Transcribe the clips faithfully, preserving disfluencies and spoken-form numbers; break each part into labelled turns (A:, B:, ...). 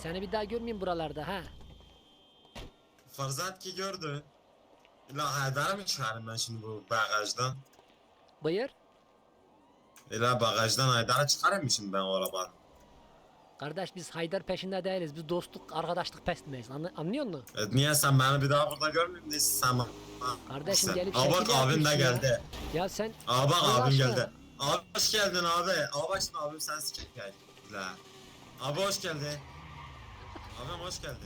A: Seni bir daha görmeyeyim buralarda ha.
B: Farzat ki gördü. İla Haydar'ı mı çıkarım ben şimdi bu bagajdan?
A: Buyur.
B: İla bagajdan Haydar'ı çıkarım mı şimdi ben o arabanın?
A: Kardeş biz Haydar peşinde değiliz. Biz dostluk, arkadaşlık peşindeyiz. Anla, anlıyor musun?
B: E, niye sen beni bir daha burada görmeyeyim de sen bana?
A: Kardeşim
B: Sen.
A: gelip
B: Aa bak
A: şekil
B: abim de
A: yapıyorsun ya.
B: geldi.
A: Ya sen
B: Aa bak
A: Allah
B: abim
A: aşkına.
B: geldi. Abi hoş geldin abi. Abi şimdi abim sen sikip gel. La. Abi hoş geldin. Abim hoş geldin.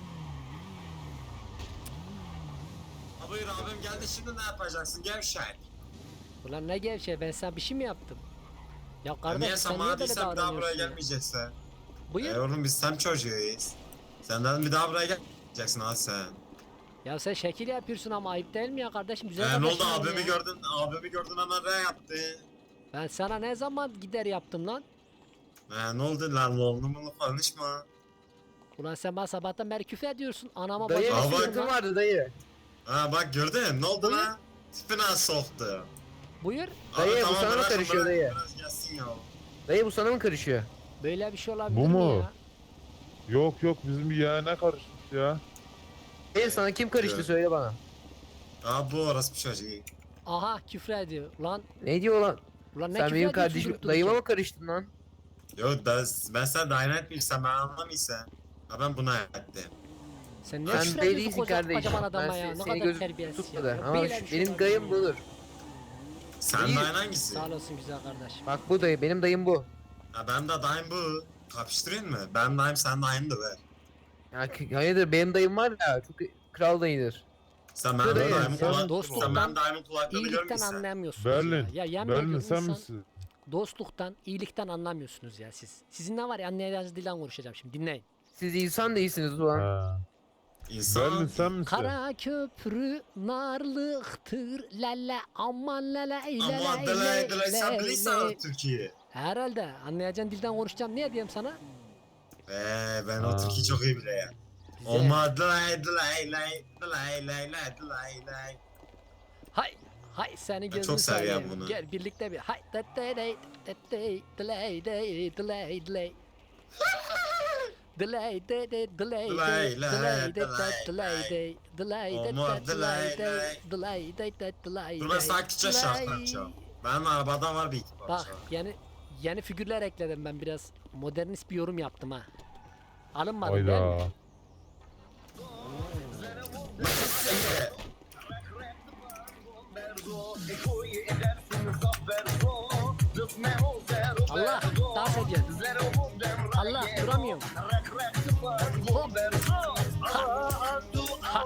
B: Abi buyur abim geldi şimdi ne yapacaksın gevşek?
A: Ulan ne gevşe, ben sana bir şey mi yaptım? Ya
B: Ya
A: kardeş
B: niye
A: sen
B: sen
A: niye
B: bana
A: böyle
B: değilsen bir daha buraya
A: davranıyorsun ya?
B: gelmeyeceksin?
A: Buyur.
B: E oğlum biz sem çocuğuyuz. Senden bir daha buraya gelmeyeceksin ha sen.
A: Ya sen şekil yapıyorsun ama ayıp değil mi ya kardeşim? Güzel
B: E ne oldu
A: kardeşim benim
B: abimi
A: ya.
B: gördün, abimi gördün hemen re yaptı.
A: Ben sana ne zaman gider yaptım lan?
B: E ne oldu lan oğlum bunu konuşma.
A: Ulan sen bana sabahtan beri küfür ediyorsun. Anama
C: Dayı
A: bacıma
B: Aa,
C: bir
B: bak.
A: söylüyorsun
C: sıkıntı
A: lan.
C: vardı dayı.
B: Ha bak gördün ne oldu
A: Buyur.
B: lan? Tipine soktu.
A: Buyur.
C: Dayı,
B: Abi,
C: bu sana mı
B: bırakın,
C: karışıyor
B: bırakın,
C: dayı?
B: Biraz gelsin ya.
C: Dayı bu sana mı karışıyor?
A: Böyle bir şey olabilir
D: Bu
A: mi
D: mu?
A: ya?
D: Yok yok bizim bir yeğene karışmış ya.
C: Dayı sana kim karıştı
B: Evet.
C: söyle bana.
B: Abi bu orası bir çocuğu.
A: Aha küfür ediyor. Lan
C: Ne diyor lan?
A: ulan ne
C: Sen
A: küfür
C: benim
A: ediyorsun
C: kardeşim
A: durup
C: dayıma
A: dururken?
C: mı karıştın lan?
B: Yok ben, ben sana dayan etmiyorsam ben anlamıyorsam. Ha ben buna ettim.
A: Sen ne
C: Sen
A: küfür
C: dayı
A: ediyorsun
C: değilsin
A: koca,
C: kardeşim.
A: kocaman adama
C: Ben
A: ya?
C: se-
A: Ne
C: seni
A: kadar
C: gözüm
A: terbiyesiz ya.
C: tutmadı.
A: Ya
C: Ama
A: böyle
C: şu-
A: bir şey
C: benim
A: olabilir
C: dayım
A: mi?
C: budur.
B: Sen
C: İyi.
B: dayın hangisi?
A: Sağ olasın güzel kardeşim.
C: Bak bu dayı, benim dayım bu.
B: Ha benim de dayım bu. Kapıştırayım mı? Ben dayım sen dayın da ver.
C: Ya k- hayırdır, benim dayım var ya, çok kral dayıdır.
B: Sen
C: Bu
B: benim
C: dayı,
B: dayımın
D: sen-
B: kulak...
A: dostluktan,
B: Sen benim dayımın kulaklarını
A: İyilikten
B: görmüşsün.
A: anlayamıyorsunuz
D: Berlin.
A: ya. Ya yemin
D: Berlin
A: ediyorum
D: sen
A: insan
D: misin?
A: dostluktan, iyilikten anlamıyorsunuz ya siz. Sizin ne var ya, anlayacağınız dilden konuşacağım şimdi dinleyin.
C: Siz insan değilsiniz ulan.
D: Ha.
B: İnsan...
D: Berlin sen misin?
A: Kara köprü narlıktır lele aman lele lele
B: Ama delay delay sen bilirsen Türkiye.
A: Herhalde anlayacağın dilden konuşacağım, niye diyeyim sana?
B: Eee ben o
D: Ha.
B: Türkiye çok iyi bile ya.
A: Güzel.
B: Ama delay delay delay delay delay delay delay.
A: Hay hay seni gözünü
B: çok seviyorum
A: seveyim.
B: bunu.
A: Gel birlikte bir hay de de de de de delay de delay delay. Delay de de delay de
B: Delay,
A: delay de de
B: delay,
A: delay de delay de
B: Olmaz,
A: de delay
B: delay,
A: de
B: delay.
A: delay de de delay
B: Dur ben
A: de
B: sakince
A: delay.
B: şarkı açacağım. Benim arabada var bir iki parça.
A: Bak yeni yeni figürler ekledim ben, biraz modernist bir yorum yaptım ha. Alınmadım değil mi?
D: Hayda.
A: Allah dans ediyorsun. Allah duramıyorum. Hop. Ha. Ha.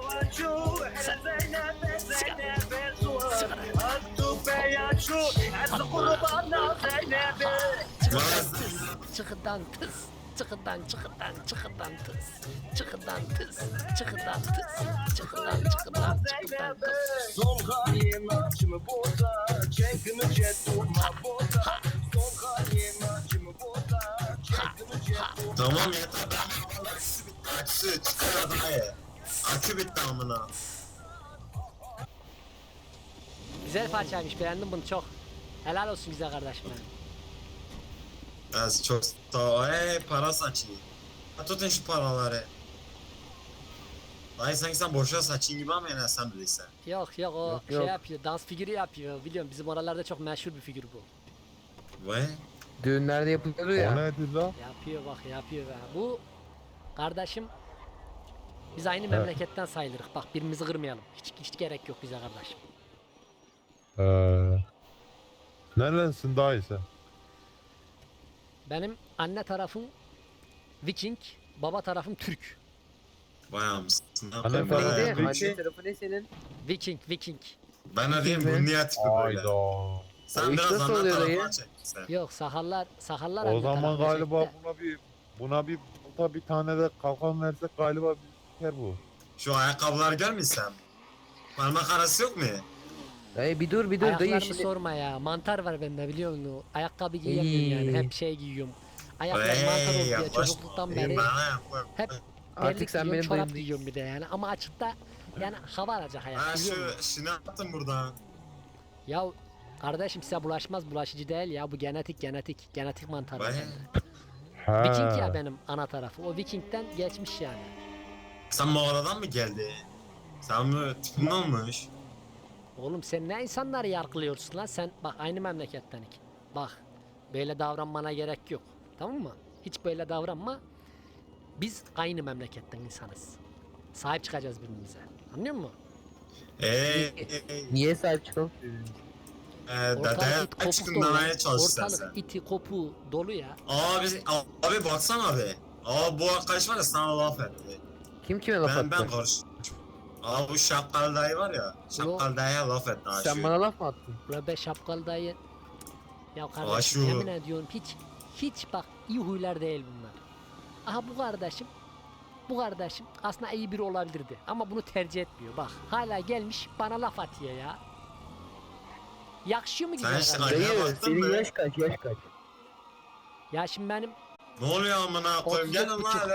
A: Çıkıdan tıs. Çıkıdan çıkıdan çıkıdan tıs. Çıkıdan tıs. Çıkıdan tıs. Çıkıdan çıkıdan çıkıdan tıs.
E: Son halim acımı boza, çekimi cetuma boza. Son halim acımı boza, çekimi cetuma.
B: Tamam yeter ben aküsü bitti aküsü çıkar adayı. Akü bitti amına.
A: Güzel parçaymış, beğendim bunu çok. Helal olsun güzel kardeşim benim.
B: Az çok sağ ol. Hey para saçayım. Ha, tutun şu paraları. Dayı sanki sen boşa saçın gibi ama yine sen bilirsen.
A: Yok yok o
C: Yok,
A: şey
C: yok.
A: yapıyor, dans figürü yapıyor, biliyorum bizim oralarda çok meşhur bir figür bu.
B: Vay.
C: Düğünlerde yapılıyordu
D: O
C: ya.
D: nedir lan?
A: Yapıyor bak yapıyor be. Bu kardeşim biz aynı
D: Evet.
A: memleketten sayılırız. Bak birbirimizi kırmayalım. Hiç hiç gerek yok bize kardeşim.
D: Ee, nerelensin daha iyi sen?
A: Benim anne tarafım Viking, baba tarafım Türk.
B: Vay mısın?
D: Annem
C: Tarafı
D: Ee,
C: neydi?
D: peki.
C: Anne tarafı ne senin?
A: Viking, Viking.
B: Ben ne diyeyim
C: mi?
B: bu niye tipi böyle?
D: Hayda.
B: Sen
C: O iş
B: biraz
C: nasıl
B: anne
C: oluyor
B: tarafına
C: dayı?
B: çek sen.
A: Yok sahallar, sahallar
D: O
A: anne
D: zaman
A: tarafına
D: galiba
A: çekti.
D: buna bir buna bir buna bir tane de kalkan versek galiba bir siker bu.
B: Şu ayakkabıları görmüyorsun. Parmak arası yok mu?
C: Dayı bir dur bir dur dayı
A: Ayaklarımı
C: şimdi.
A: sorma ya. Mantar var bende biliyor musun? Ayakkabı giyemiyorum yani.
C: İyi.
A: Hep şey giyiyorum. Ayaklar mantar oldu ya çocukluktan beri. Hep
C: Artık
A: terlik
C: sen
A: giyiyorum,
C: benim
A: çorap
C: dayım
A: giyiyorum bir de yani. Ama açıkta yani hava alacak
B: Ha
A: hayat biliyor musun?
B: şu şunu attım buradan.
A: Ya kardeşim size bulaşmaz, bulaşıcı değil ya, bu genetik genetik genetik mantar.
B: Vay.
D: Ha.
A: Viking ya benim ana tarafı. O Viking'den geçmiş yani.
B: Sen mağaradan mı geldin? Sen mi tipin olmuş?
A: Oğlum sen ne insanları yargılıyorsun lan? Sen bak aynı memlekettenik. Bak böyle davranmana gerek yok. Tamam mı? Hiç böyle davranma. Biz aynı memleketten insanız. Sahip çıkacağız birbirimize. Anlıyor musun?
B: Eee
C: Niye sahip çıkalım?
B: Eee dede
A: Ortalık it kopuk
B: çıkın
A: dolu.
B: demeye
A: lan.
B: çalışırsan sen.
A: Ortalık iti kopu dolu ya.
B: Abi, abi baksana abi. Abi bu arkadaş var ya sana laf etti.
C: Kim kime laf
B: Ben
C: attı?
B: ben karış. Abi bu şapkalı dayı var ya. Şapkalı dayıya laf etti aşığı.
C: Sen bana laf mı attın?
A: Ula be şapkalı dayı. Ya kardeşim
B: Aşu.
A: yemin ediyorum hiç hiç bak iyi huylar değil bunlar. Aha bu kardeşim bu kardeşim aslında iyi biri olabilirdi ama bunu tercih etmiyor bak. Hala gelmiş bana laf atıyor ya. Yakışıyor mu
B: Sen
A: güzel
B: işte
A: kardeşim?
B: Aynaya
C: Dayı
B: baktın
C: senin
B: mı?
C: yaş kaç yaş kaç?
A: Ya şimdi benim
B: Ne oluyor amına koyayım?
A: otuz
B: Gel
A: dört
B: lan.
A: buçuk.